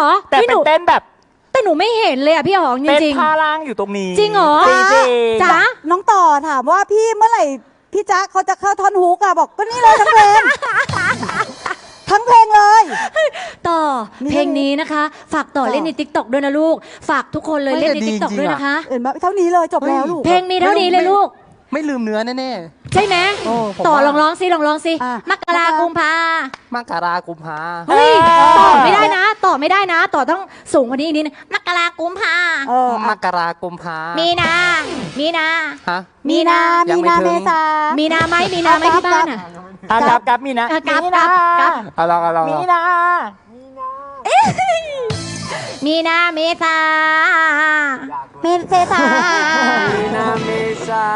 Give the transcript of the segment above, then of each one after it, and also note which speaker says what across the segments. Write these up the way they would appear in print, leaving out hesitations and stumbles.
Speaker 1: แต่
Speaker 2: พี่ห
Speaker 1: เป็น
Speaker 2: นู
Speaker 1: เต้นแบบ
Speaker 2: แต่หนูไม่เห็นเลยอ่ะพี่หองจ
Speaker 1: เต้น
Speaker 2: ริง
Speaker 1: ท่าล่างอยู่ตรงนี้
Speaker 2: จริงเหรอ
Speaker 1: จริงๆ
Speaker 2: จ๊ะ
Speaker 3: น้องต่อถามว่าพี่เมื่อไหร่พี่จ๊ะเขาจะเข้าท่อนฮุกอะบอกก็นี่เลยทั้งเพลง ทั้งเพลงเลย
Speaker 2: ต่อ
Speaker 3: นี่
Speaker 2: เพลงนี้นะคะ ฝากต่อ
Speaker 3: ต่อ
Speaker 2: เล่นในติ๊กต็อกด้วยนะลูก ฝากทุกคนเลย
Speaker 4: ไม่
Speaker 2: เล่นใน
Speaker 4: แต่ดี
Speaker 2: ติ๊กต็อก
Speaker 4: จริงๆ
Speaker 2: ด้วย
Speaker 4: อะ
Speaker 2: นะคะ
Speaker 3: เห็นไหมเท่านี้เลยจบแล้วลูก
Speaker 2: เพลงมีเท่านี้เลยลูก
Speaker 4: ไม่ลืมเนื้อแน่
Speaker 2: ใช่ไหม
Speaker 4: โอ้ผม
Speaker 2: ต่อ
Speaker 4: ว่า
Speaker 2: ลองร้องสิลองร้องสิ
Speaker 3: อ่ะ
Speaker 2: มกรากุมภา
Speaker 4: ๆมกรากุมภา
Speaker 2: เฮ้ยต่อไม่ได้นะ ต่อไม่ได้นะ ต่อต้องสูงกว่านี้อีกนิดนึงมกรากุมภา
Speaker 3: เออ
Speaker 4: มกรากุมภา
Speaker 2: มีนา มีนา
Speaker 4: ฮะ
Speaker 2: มีนา
Speaker 4: ยั
Speaker 3: มี
Speaker 4: งไม่
Speaker 3: นา
Speaker 4: ถึง
Speaker 3: เมษา
Speaker 2: มีนาไหมมีนาไหมที่บ้านอ่ะ
Speaker 1: กับมีนะ
Speaker 2: กับ
Speaker 1: มีนะ
Speaker 2: กับ
Speaker 4: เอาลองเอาลอง
Speaker 1: มีนะ
Speaker 2: มีนาเมษา
Speaker 3: เมษา
Speaker 4: มีนาเมษา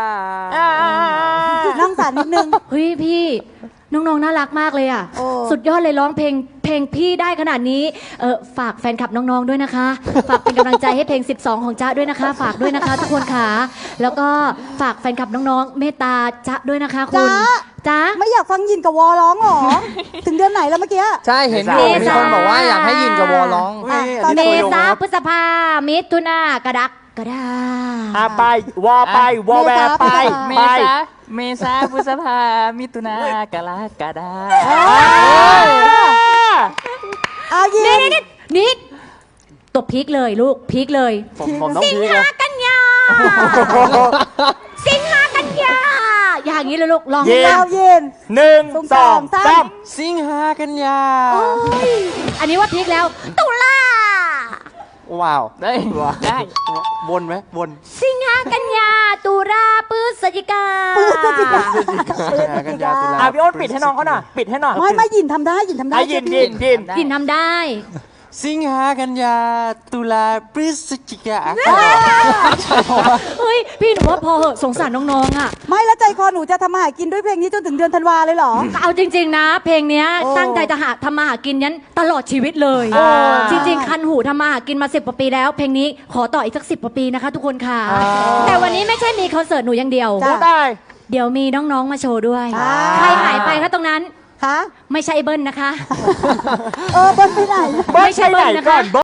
Speaker 3: น้องสารนิดนึง
Speaker 2: เฮ้ยพี่ น้องๆน่ารักมากเลยอ่ะ
Speaker 3: โอ้
Speaker 2: สุดยอดเลยร้องเพลงพี่ได้ขนาดนี้ฝากแฟนคลับน้องๆด้วยนะคะ ฝากเป็นกำลังใจให้เพลง 12 ของจ๊ะด้วยนะคะ ฝากด้วยนะคะ ทุกคนค่ะแล้วก็ฝากแฟนคลับน้องๆ เมตตาจ๊ะด้วยนะคะคุณ
Speaker 3: จ๊ะ
Speaker 2: จ๊ะ
Speaker 3: ไม่อยากฟังยินกับวอร้องหรอ ถึงเดือนไหนแล้วเมื่อกี้
Speaker 4: ใช่เห็นอยู่
Speaker 2: เมษามี
Speaker 4: มีคนบอกว่าอยากให้ยินกับวอร้อง
Speaker 3: อ่ะตอน
Speaker 2: เม
Speaker 3: นี้
Speaker 2: ษาพฤษภามิถุนากรกฎา
Speaker 1: ไปวอไปวอแวร์ไป
Speaker 3: เม
Speaker 1: ไป
Speaker 5: เมษาพฤษภามิถุนากรกฎา
Speaker 3: เอายิ
Speaker 2: นี่
Speaker 3: น
Speaker 2: นี่ตัวพีคเลยลูกพีคเลย
Speaker 1: ผมต้อง
Speaker 2: สิง
Speaker 1: พีคเล
Speaker 2: หาย กันยา สิงหากันยา อย่างนี้เลยลูกลอง
Speaker 1: เย็น
Speaker 3: เอายิน
Speaker 1: 1 2 3
Speaker 4: สิงหากันยา
Speaker 2: โอ้ยอันนี้ว่าพีคแล้ว ตุลา
Speaker 4: ว้าว
Speaker 5: ได้ได้
Speaker 4: วนไหมวน
Speaker 2: สิงหากันยา ตุลาพฤศจิกา
Speaker 3: พฤศจิกา
Speaker 4: สิงหากันยาตุลา
Speaker 1: พี่อ้นปิดให้น้องเขาหน่อยปิดให้หน่อย
Speaker 3: ไม่ยินทำได้ยินทำได้
Speaker 1: ยิน
Speaker 3: เชื่อพี่
Speaker 2: กินทำได้
Speaker 4: สิงหากันยาตุลาพฤศจิกา
Speaker 2: เฮ้ย พี่หนูว่าพอเหอะสงสารน้องๆอ่ะ
Speaker 3: ไม่แล้วใจคอหนูจะทำมาหากินด้วยเพลงนี้จนถึงเดือนธันวาเลยเหรอ
Speaker 2: เอาจริง ๆ นะ เพลงเนี้ย
Speaker 3: โอ้
Speaker 2: ตั้งใจจะทำมาหากินยันตลอดชีวิตเลย จริง ๆ คันหูทำมาหากินมา10 กว่าปีแล้ว เพลงนี้ขอต่ออีกสัก10 กว่าปีนะคะทุกคนค่ะ แต่วันนี้ไม่ใช่มีคอนเสิร์ตหนูอย่างเดียว
Speaker 3: จ้ะ
Speaker 1: พูดได้
Speaker 2: เดี๋ยวมีน้องๆมาโชว์ด้วย
Speaker 3: อ่า
Speaker 2: ใครหายไปคะตรงนั้น
Speaker 3: ฮะ
Speaker 2: ไม่ใช่เบิ้ลนะคะ
Speaker 3: เบิ้ลไปไหน
Speaker 1: ไม่ใช่ไหนก่อน